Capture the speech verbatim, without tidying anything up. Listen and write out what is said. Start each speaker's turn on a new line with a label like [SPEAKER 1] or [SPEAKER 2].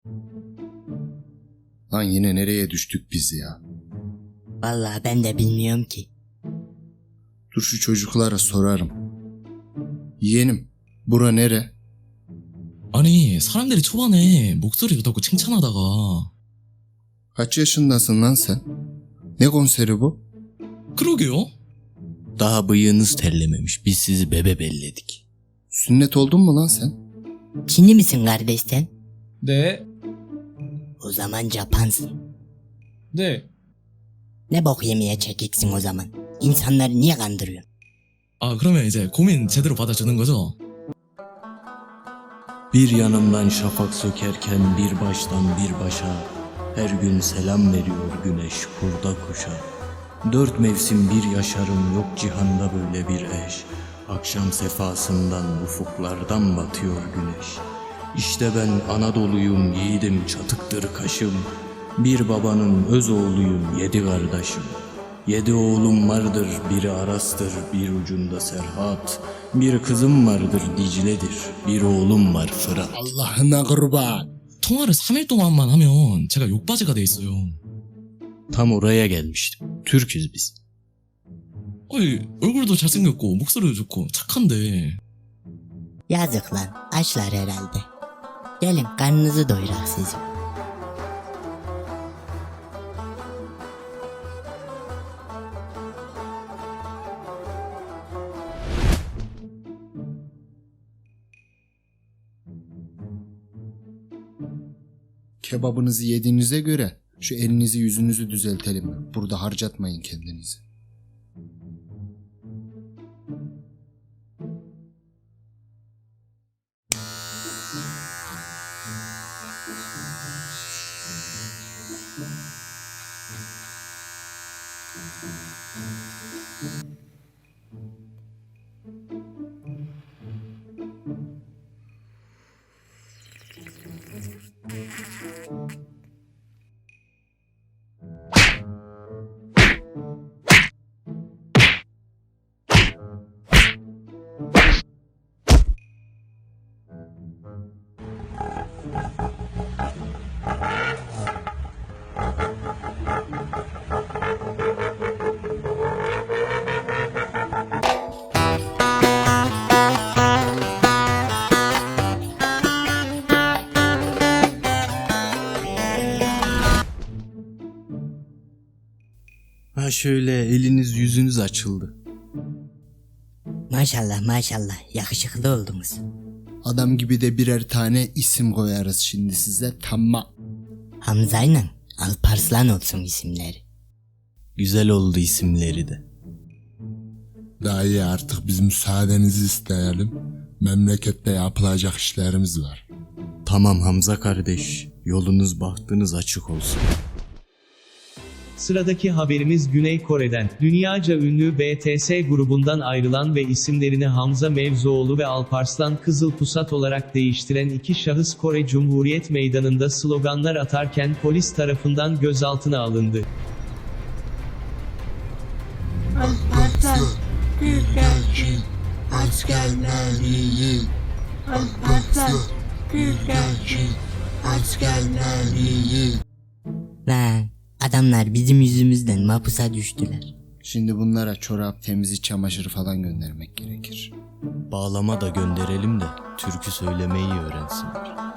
[SPEAKER 1] Lan yine nereye düştük biz ya?
[SPEAKER 2] Vallahi ben de bilmiyorum ki.
[SPEAKER 1] Dur şu çocuklara sorarım. Yeğenim, bura nere?
[SPEAKER 3] 아니, 사람들이 초반에 목소리 좋다고 칭찬하다가
[SPEAKER 1] Kaç yaşındasın lan sen? Ne konseri bu?
[SPEAKER 3] 그러게요?
[SPEAKER 4] Daha bıyığınız terlememiş. Biz sizi bebe belledik.
[SPEAKER 1] Sünnet oldun mu lan sen?
[SPEAKER 2] Çinli misin kardeş sen?
[SPEAKER 3] 네,
[SPEAKER 2] O zaman Japansın.
[SPEAKER 3] 네.
[SPEAKER 2] Ne bok yemeye çekiksin o zaman? İnsanları niye kandırıyorsun?
[SPEAKER 3] 아, 그러면 이제 고민 제대로 받아주는 거죠?
[SPEAKER 4] Bir yanımdan şafak sökerken bir baştan bir başa, her gün selam veriyor güneş kurda kuşa. Dört mevsim bir yaşarım, yok cihanda böyle bir eş. Akşam sefasından ufuklardan batıyor güneş. İşte ben Anadolu'yum, yiğidim, çatıktır kaşım. Bir babanın öz oğluyum, yedi kardeşim. Yedi oğlum vardır, biri Aras'tır, bir ucunda Serhat. Bir kızım vardır, Dicle'dir, bir oğlum var Fırat.
[SPEAKER 1] Allah'ına kurban.
[SPEAKER 3] 통화를 삼 일 동안만 하면 제가 욕바지가 돼 있어요.
[SPEAKER 4] Tam oraya gelmiştim. Türküz biz.
[SPEAKER 3] 아니, 얼굴도 잘생겼고 목소리도 좋고 착한데
[SPEAKER 2] Yazık lan, açlar herhalde. Gelin karnınızı doyurak sizin.
[SPEAKER 1] Kebabınızı yediğinize göre şu elinizi yüzünüzü düzeltelim. Burada harcatmayın kendinizi.
[SPEAKER 4] Ha şöyle eliniz yüzünüz açıldı.
[SPEAKER 2] Maşallah maşallah, yakışıklı oldunuz.
[SPEAKER 1] Adam gibi de birer tane isim koyarız şimdi size, tamam.
[SPEAKER 2] Hamza'yla Alparslan olsun isimleri.
[SPEAKER 4] Güzel oldu isimleri de.
[SPEAKER 1] Dayı artık biz müsaadenizi isteyelim. Memlekette yapılacak işlerimiz var.
[SPEAKER 4] Tamam Hamza kardeş, yolunuz bahtınız açık olsun.
[SPEAKER 5] Sıradaki haberimiz Güney Kore'den. Dünyaca ünlü B T S grubundan ayrılan ve isimlerini Hamza Mevzuoğlu ve Alparslan Kızılpusat olarak değiştiren iki şahıs Kore Cumhuriyet Meydanı'nda sloganlar atarken polis tarafından gözaltına alındı.
[SPEAKER 6] Alparslan, Gülgençin, askerleri. Alparslan, Gülgençin, askerleri.
[SPEAKER 2] Lan adamlar bizim yüzümüzden mapusa düştüler.
[SPEAKER 1] Şimdi bunlara çorap, temizlik, çamaşır falan göndermek gerekir.
[SPEAKER 4] Bağlama da gönderelim de türkü söylemeyi öğrensinler.